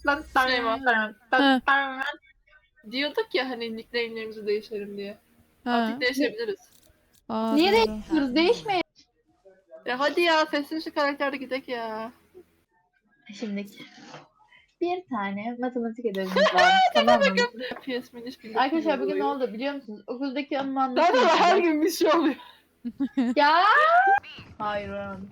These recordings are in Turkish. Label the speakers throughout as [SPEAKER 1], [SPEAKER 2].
[SPEAKER 1] Diyorduk ya hani nickname'lerimizi değişelim diye.
[SPEAKER 2] Ha.
[SPEAKER 1] Artık değişebiliriz.
[SPEAKER 2] Aa,
[SPEAKER 3] Niye
[SPEAKER 2] doğru.
[SPEAKER 3] değiştiriyoruz? Değişmeyin.
[SPEAKER 1] Ya hadi ya Festivuşu karakterde gidek ya.
[SPEAKER 3] Şimdi bir tane matematik ödevimiz var. Tamam mı?
[SPEAKER 1] PS Miniş
[SPEAKER 3] Arkadaşlar bugün ne oldu biliyor musunuz? Okuldaki anımı
[SPEAKER 1] Zaten her
[SPEAKER 3] anlatayım.
[SPEAKER 1] gün bir şey oluyor.
[SPEAKER 3] Ya. Hayır oğlum.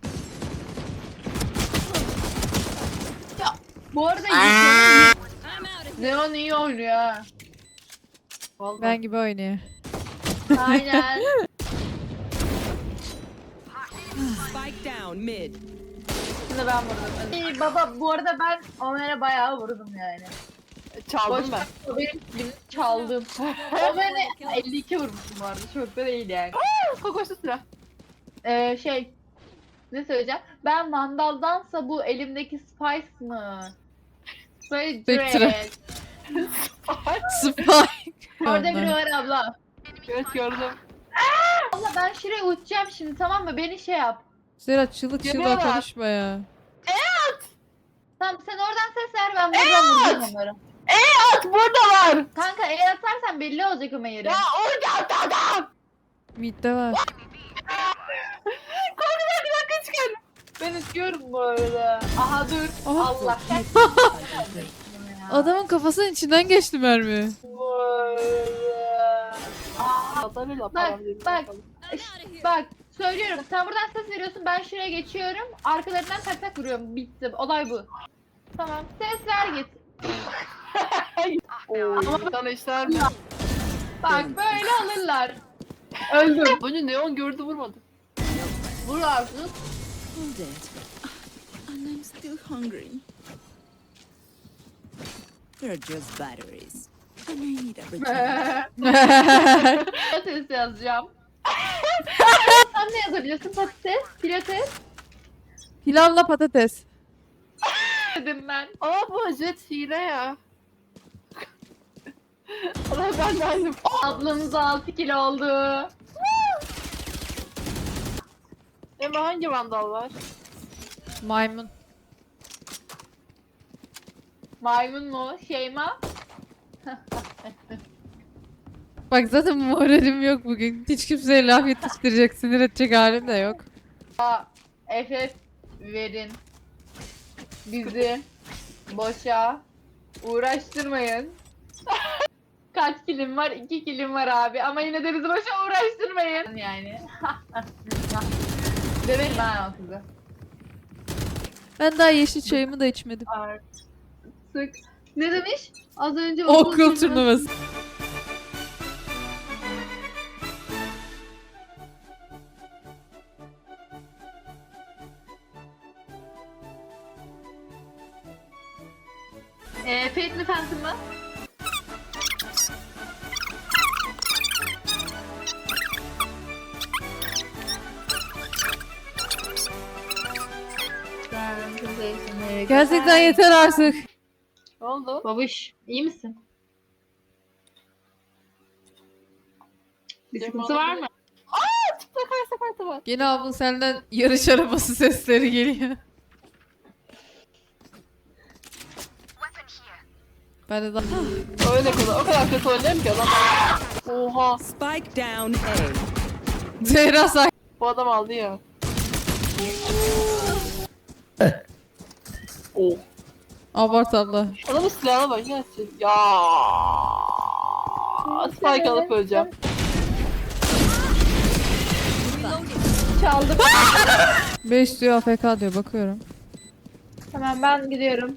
[SPEAKER 3] Ya bu arada Leon iyi oynuyor ha.
[SPEAKER 1] Vallahi.
[SPEAKER 2] Ben gibi oynuyor.
[SPEAKER 3] Aynen.
[SPEAKER 4] Spike down mid.
[SPEAKER 3] Şimdi ben vurdum. Baba bu arada ben Ömer'e bayağı vurdum yani.
[SPEAKER 1] Çaldım
[SPEAKER 3] Boş
[SPEAKER 1] ben.
[SPEAKER 3] ver, benim kilimi çaldım. Ömer'e 52 vurmuşum bu arada. Çok da değil yani.
[SPEAKER 1] Kokoşlu silah.
[SPEAKER 3] Şey ne söyleyeceğim? Ben Vandal'dansa bu elimdeki Spice mı? Böyle
[SPEAKER 2] Spectre.
[SPEAKER 3] Dread.
[SPEAKER 2] Spike.
[SPEAKER 3] Orada biri var abla.
[SPEAKER 1] Evet gördüm.
[SPEAKER 3] Abla ben şuraya uçacağım şimdi tamam mı? Beni şey yap.
[SPEAKER 2] Zera çığlık çığlığa
[SPEAKER 1] Geliyorlar.
[SPEAKER 2] konuşma ya.
[SPEAKER 3] Tamam sen oradan ses ver ben buradan vuracağım onları.
[SPEAKER 1] At burada var.
[SPEAKER 3] Kanka eğer atarsan belli olacak o yeri.
[SPEAKER 1] Ya orada at adam.
[SPEAKER 2] Midde var.
[SPEAKER 1] Korkudan bir dakika çıkar.
[SPEAKER 3] Ben uçuyorum bu arada. Aha dur.
[SPEAKER 2] Aha.
[SPEAKER 3] Allah
[SPEAKER 2] Adamın kafasının içinden geçti mermi.
[SPEAKER 3] Bu arada.
[SPEAKER 1] Adamıyla
[SPEAKER 3] Bak,
[SPEAKER 1] param değil.
[SPEAKER 3] bak. Bak söylüyorum sen buradan ses veriyorsun ben şuraya geçiyorum arkalarından tak tak vuruyorum bitti olay bu. Tamam ses ver git.
[SPEAKER 1] Ama sana işler mi?
[SPEAKER 3] Bak böyle alırlar. Öldüm.
[SPEAKER 1] Önce neon gördü vurmadı.
[SPEAKER 3] Vur artık.
[SPEAKER 4] I'm dead. And I'm still hungry. They're just batteries. And I need a return.
[SPEAKER 3] Pilates yazacağım. Sen ne yazabiliyorsun patates? Pilates
[SPEAKER 2] Pilavla patates.
[SPEAKER 3] dedim ben.
[SPEAKER 1] Aa bu jet hile ya. Allah ben de aynı.
[SPEAKER 3] Ablanız 6 kilo oldu.
[SPEAKER 1] Ama hangi vandal var?
[SPEAKER 2] Maymun.
[SPEAKER 3] Maymun mu? Şeyma?
[SPEAKER 2] Bak zaten moralim yok bugün. Hiç kimseye laf yetiştirecek, sinir edecek halim de yok.
[SPEAKER 3] FF verin. Bizi boşa uğraştırmayın. Kaç kilim var? 2 kilim var abi. Ama yine de bizi boşa uğraştırmayın. Yani. Döverim ben o kızı.
[SPEAKER 2] Ben daha yeşil çayımı da içmedim.
[SPEAKER 3] Sık. Ne demiş? Az önce
[SPEAKER 2] Okul turnuvası.
[SPEAKER 3] Fate mi Phantom mı?
[SPEAKER 2] Gerçekten yeter artık.
[SPEAKER 1] Ne oldu?
[SPEAKER 3] Babuş, iyi misin? Bir
[SPEAKER 1] Yok,
[SPEAKER 3] sıkıntı
[SPEAKER 1] olmadı.
[SPEAKER 3] var mı?
[SPEAKER 1] Sakarta var.
[SPEAKER 2] Yine abla senden yarış arabası sesleri geliyor. Ben de daha...
[SPEAKER 1] Öyle kadar. O kadar kötü oynayayım ki adam. Oha.
[SPEAKER 4] Spike down A.
[SPEAKER 2] Zehra say.
[SPEAKER 1] Bu adam aldı ya. Oh.
[SPEAKER 2] Abart abla.
[SPEAKER 1] Adamın silahına bak ya. Ya. Spike alıp öleceğim.
[SPEAKER 3] Çaldım.
[SPEAKER 2] 5 diyor AFK diyor bakıyorum.
[SPEAKER 3] Tamam ben gidiyorum.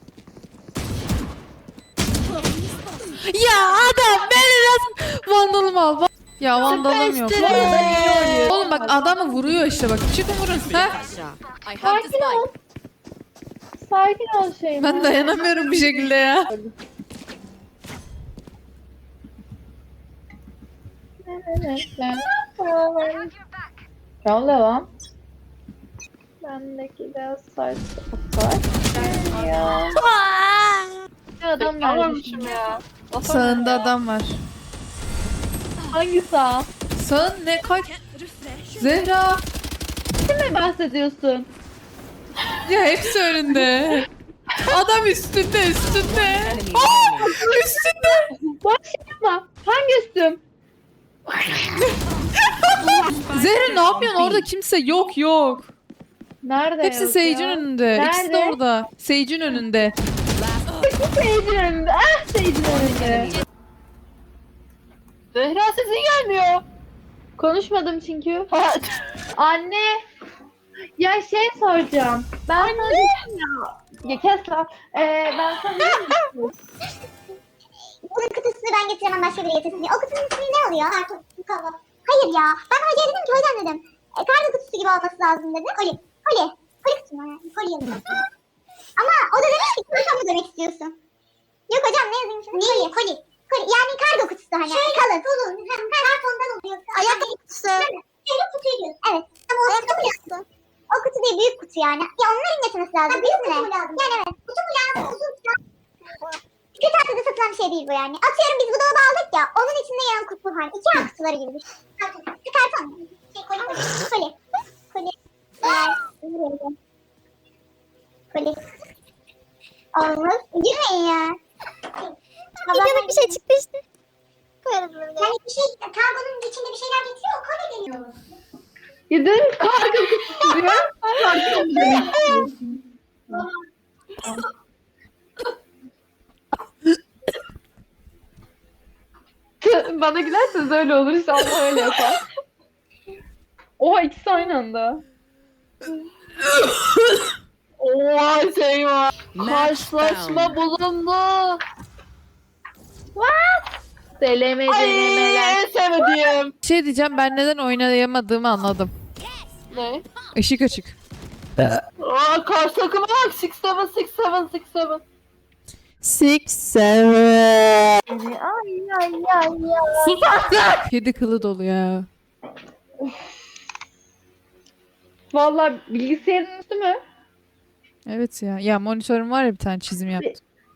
[SPEAKER 2] Ya adam beni nasıl... Vandalımı al. Ya vandalım yok. Oğlum bak adamı vuruyor işte bak. Çıkın vurun. Ha?
[SPEAKER 3] Sakin ol. Sakin ol Şeyma.
[SPEAKER 2] Ben dayanamıyorum bir şekilde ya.
[SPEAKER 3] Ne oluyor lan? Bendeki de saç ya. Adam geldi.
[SPEAKER 1] Almamışım ya.
[SPEAKER 2] Sağında adam var.
[SPEAKER 3] Hangi sağ?
[SPEAKER 2] Sağın ne kaç? Zehra.
[SPEAKER 3] Ne bahsediyorsun?
[SPEAKER 2] Ya hepsi önünde. Adam üstünde üstünde.
[SPEAKER 4] Enemy
[SPEAKER 2] Aa,
[SPEAKER 4] remaining.
[SPEAKER 2] üstünde.
[SPEAKER 3] Boş yapma. Hangi üstüm?
[SPEAKER 2] Zehra ne yapıyorsun? Orada kimse yok yok.
[SPEAKER 3] Nerede?
[SPEAKER 2] Hepsi
[SPEAKER 3] yok
[SPEAKER 2] Sage'in
[SPEAKER 3] ya?
[SPEAKER 2] önünde. İkisi de
[SPEAKER 3] Nerede?
[SPEAKER 2] orada. Sage'in önünde.
[SPEAKER 3] Sage'in önünde. Ah Sage'in önünde.
[SPEAKER 1] Zehra sesin gelmiyor.
[SPEAKER 3] Konuşmadım çünkü.
[SPEAKER 1] Ha,
[SPEAKER 3] Anne. Ya şey soracağım. Ben sana dedim ya. Ya kes lan. Ben sana dedim ya.
[SPEAKER 5] Bunun kutusunu ben getiremem başka biri getirsin diye. O kutunun ismi ne oluyor? Karton. Hayır ya. Ben hocaya dedim ki hocam dedim. Kargo kutusu gibi olması lazım dedi. Koli. Koli. Koli kutu mu? Koli yazıyor. Ama o da demiş ki karton mu demek istiyorsun? Yok hocam ne yazayım şimdi? Koli. Koli. Koli. Yani kargo kutusu hani. Şöyle kalın. Uzun. Kartondan oluyor. Ayakkabı kutusu. Şöyle kutuyu diyorsun. Evet. Ama o ayakkabı kutusu. O kutu değil büyük kutu yani. Ya onların getirmesi lazım. Büyük kutu mu lazım? Yani evet. Kutu mu lazım? Uzun kutu. Kırtasiyede satılan bir şey değil bu yani. Atıyorum biz bu dolabı aldık ya. Onun içinde yan kutu var. İki kutuları gibi düşün. Karton. Karton. Şey koli. Koli. Koli. Koli. Olmaz. Girmeyin ya. Videoda bir şey çıktı işte. Yani bir şey, kargonun içinde bir şeyler getiriyor. O koli geliyor.
[SPEAKER 3] Gidin kargo kutusu diyor. Karton demek istiyorsun. Bana gülerseniz öyle olur. İnşallah öyle yapar. Oha ikisi aynı anda.
[SPEAKER 1] Oha şey var.
[SPEAKER 4] Match
[SPEAKER 1] Karşılaşma
[SPEAKER 4] found.
[SPEAKER 1] bulundu.
[SPEAKER 3] Deneme
[SPEAKER 1] Ay
[SPEAKER 3] denemeler.
[SPEAKER 1] en sevdiğim.
[SPEAKER 2] Bir şey diyeceğim, ben neden oynayamadığımı anladım.
[SPEAKER 1] Ne?
[SPEAKER 2] Işık açık.
[SPEAKER 1] Aa karşı takıma bak. 6-7, 6-7, 6-7.
[SPEAKER 2] Kedi kılı dolu ya.
[SPEAKER 3] Vallahi bilgisayarın üstü mü?
[SPEAKER 2] Evet ya. Ya monitörüm var ya, bir tane çizim yaptım.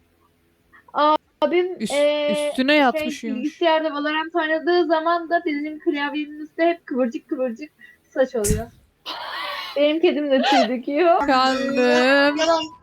[SPEAKER 3] Abim
[SPEAKER 2] Üstüne yatmış uyumuş.
[SPEAKER 3] bilgisayarda Valorant oynadığı zaman da bizim klavyenin üstü hep kıvırcık kıvırcık saç oluyor. Benim kedim de tüy döküyor.
[SPEAKER 2] Kandım.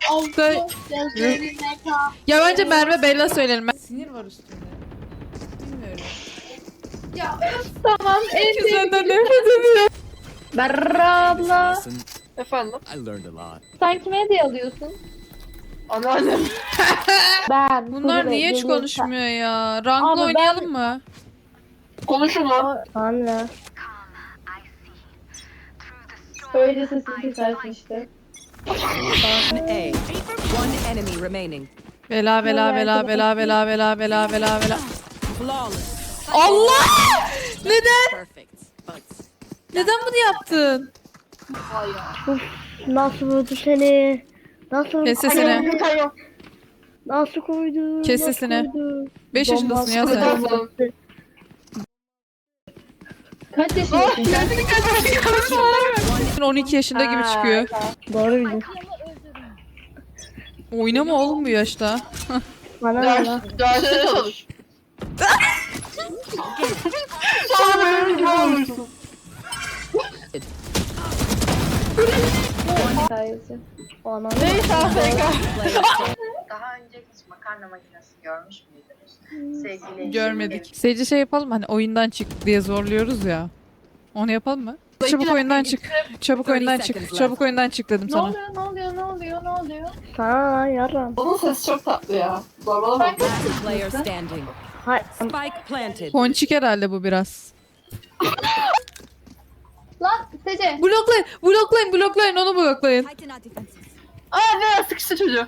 [SPEAKER 2] Ya bence Merve Bella söyleyelim. Sinir var üstünde. Bilmiyorum.
[SPEAKER 3] Tamam en
[SPEAKER 2] Herkes senden nefret ediyor.
[SPEAKER 3] Berra abla.
[SPEAKER 6] Lesson,
[SPEAKER 1] Efendim?
[SPEAKER 6] I learned a lot.
[SPEAKER 3] Sen kime hediye alıyorsun?
[SPEAKER 1] Anneannem.
[SPEAKER 3] Ben.
[SPEAKER 2] Bunlar
[SPEAKER 3] Kuru
[SPEAKER 2] niye hiç
[SPEAKER 3] geliyorsa-
[SPEAKER 2] konuşmuyor ya? Rankla
[SPEAKER 3] Ama ben-
[SPEAKER 2] oynayalım mı?
[SPEAKER 1] Konuşun lan.
[SPEAKER 3] Anne. Öyle sesini kesersin işte.
[SPEAKER 4] A. One enemy remaining.
[SPEAKER 2] Bela bela bela bela bela bela bela bela bela.
[SPEAKER 4] Flawless.
[SPEAKER 2] Allah! Neden?
[SPEAKER 4] Perfect. But
[SPEAKER 2] Neden bunu yaptın?
[SPEAKER 7] Nasıl vurdu seni? Nasıl
[SPEAKER 2] Kes sesini.
[SPEAKER 7] Nasıl koydu?
[SPEAKER 2] Kes
[SPEAKER 7] Nasıl
[SPEAKER 2] sesini.
[SPEAKER 7] koydu?
[SPEAKER 2] 5 yaşındasın ya sen.
[SPEAKER 1] Tamam.
[SPEAKER 3] Kaç yaşındasın sen?
[SPEAKER 2] Sen 12 yaşında gibi çıkıyor.
[SPEAKER 7] Doğru bildin.
[SPEAKER 2] Oynama oğlum bu yaşta.
[SPEAKER 7] Bana ne lan?
[SPEAKER 1] Derste çalış. Sonra benim gibi olursun.
[SPEAKER 3] Hikayesi.
[SPEAKER 7] Bana
[SPEAKER 1] Neyse AFK.
[SPEAKER 4] player
[SPEAKER 8] Daha önce hiç makarna makinesi görmüş müydünüz? Sevgili eşim,
[SPEAKER 2] Görmedik. Seyirci şey yapalım mı? Hani oyundan çık diye zorluyoruz ya. Onu yapalım mı? Çabuk oyundan çık. Çabuk oyundan çık. Çabuk oyundan çık dedim
[SPEAKER 3] Ne
[SPEAKER 2] sana.
[SPEAKER 3] oluyor? Ne oluyor? Ne oluyor? Ne oluyor?
[SPEAKER 7] sana lan yaram.
[SPEAKER 1] Onun sesi çok tatlı ya. Zorbalama.
[SPEAKER 4] last player standing.
[SPEAKER 7] Hay
[SPEAKER 4] Spike planted.
[SPEAKER 2] Ponçik herhalde bu biraz.
[SPEAKER 3] Lan Sece.
[SPEAKER 2] Bloklayın, bloklayın, bloklayın, onu bloklayın.
[SPEAKER 1] Aa ne sıkıştı çocuğu.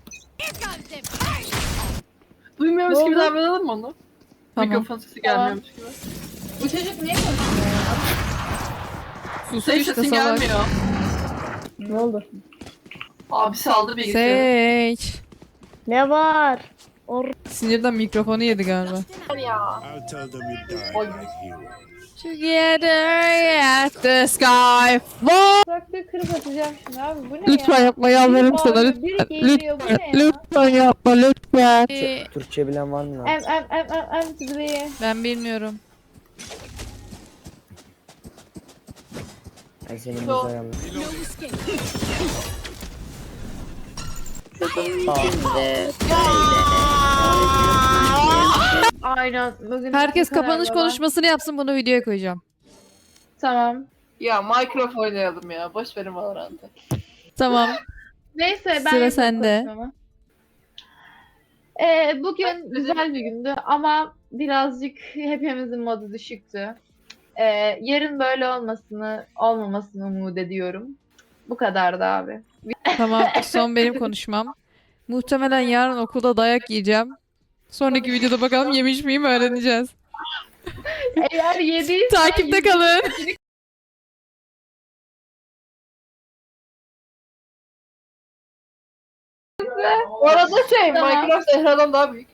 [SPEAKER 1] Duymuyormuş gibi davranalım mı onu?
[SPEAKER 2] Tamam.
[SPEAKER 1] Mikrofon sesi gelmiyormuş gibi.
[SPEAKER 3] Bu çocuk niye konuşuyor?
[SPEAKER 2] Sus
[SPEAKER 1] Ses
[SPEAKER 2] işte
[SPEAKER 1] sesin
[SPEAKER 2] salak.
[SPEAKER 1] gelmiyor.
[SPEAKER 7] ne oldu?
[SPEAKER 1] Abi saldı bilgisayarı.
[SPEAKER 2] Sage.
[SPEAKER 7] Ne var?
[SPEAKER 2] Sinirden mikrofonu yedi galiba.
[SPEAKER 6] I'll tell them you died like heroes.
[SPEAKER 2] Together at the sky fall.
[SPEAKER 3] Traktörü kırıp atacağım şimdi abi. Bu ne
[SPEAKER 2] Lütfen
[SPEAKER 3] ya?
[SPEAKER 2] yapma, yalvarırım sana,
[SPEAKER 3] Biri
[SPEAKER 2] lütfen.
[SPEAKER 3] geliyor, bu ne ya?
[SPEAKER 2] Lütfen yapma, lütfen.
[SPEAKER 9] Türkçe bilen var mı lan?
[SPEAKER 3] M to the B.
[SPEAKER 2] Ben bilmiyorum.
[SPEAKER 9] Ay senin
[SPEAKER 1] Yok.
[SPEAKER 9] güzel yanlış.
[SPEAKER 3] istedim şimdi. Aynen. Bugün
[SPEAKER 2] Herkes
[SPEAKER 3] bu kadar
[SPEAKER 2] kapanış
[SPEAKER 3] baba.
[SPEAKER 2] konuşmasını yapsın, bunu videoya koyacağım.
[SPEAKER 3] Tamam.
[SPEAKER 1] Ya Minecraft oynayalım ya. Boş verin Valorant'ı.
[SPEAKER 2] Tamam.
[SPEAKER 3] Neyse ben
[SPEAKER 2] Sıra
[SPEAKER 3] yapayım
[SPEAKER 2] sende.
[SPEAKER 3] konuşmamı. Bugün güzel bir gündü ama birazcık hepimizin modu düşüktü. Yarın böyle olmamasını umut ediyorum. Bu kadardı abi.
[SPEAKER 2] Tamam, son benim konuşmam. Muhtemelen yarın okulda dayak yiyeceğim. Sonraki videoda bakalım yemiş miyim öğreneceğiz.
[SPEAKER 3] Eğer yediysen
[SPEAKER 2] Takipte kalın.
[SPEAKER 1] Bu arada
[SPEAKER 3] Tamam.
[SPEAKER 1] Minecraft Zehra'dan daha büyük.